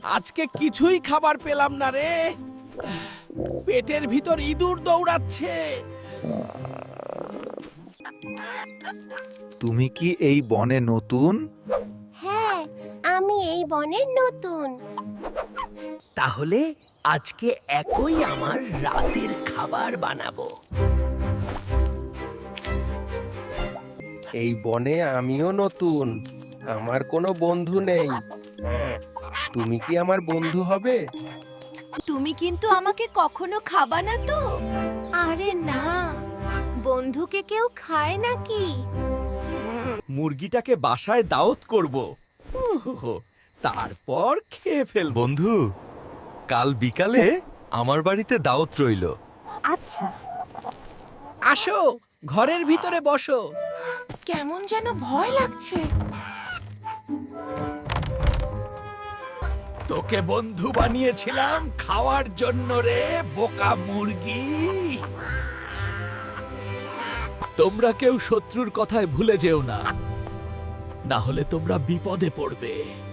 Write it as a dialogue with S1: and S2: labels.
S1: আজকে কিছুই খাবার পেলাম না রে। পেটের ভিতর ইঁদুর দৌড়াচ্ছে।
S2: তুমি কি এই বনে নতুন?
S3: হ্যাঁ, আমি এই বনের নতুন।
S1: তাহলে আজকে একই আমার রাতের খাবার বানাবো।
S4: এই বনে আমিও নতুন, আমার কোনো বন্ধু নেই। তুমি কি আমার বন্ধু হবে?
S3: তুমি কিন্তু আমাকে কখনো খাবা না তো? আরে না, বন্ধুকে কেউ খায় নাকি?
S1: মুরগিটাকে বাসায় দাওয়াত করব, তারপর খেয়ে ফেল।
S5: বন্ধু, কাল বিকালে আমার বাড়িতে দাওয়াত রইল।
S3: আচ্ছা।
S1: আসো, ঘরের ভিতরে বসো।
S3: কেমন যেন ভয় লাগছে।
S1: তোকে বন্ধু বানিয়েছিলাম খাওয়ার জন্য রে বোকা মুরগি। তোমরা কেউ শত্রুর কথায় ভুলে যেও না, না হলে তোমরা বিপদে পড়বে।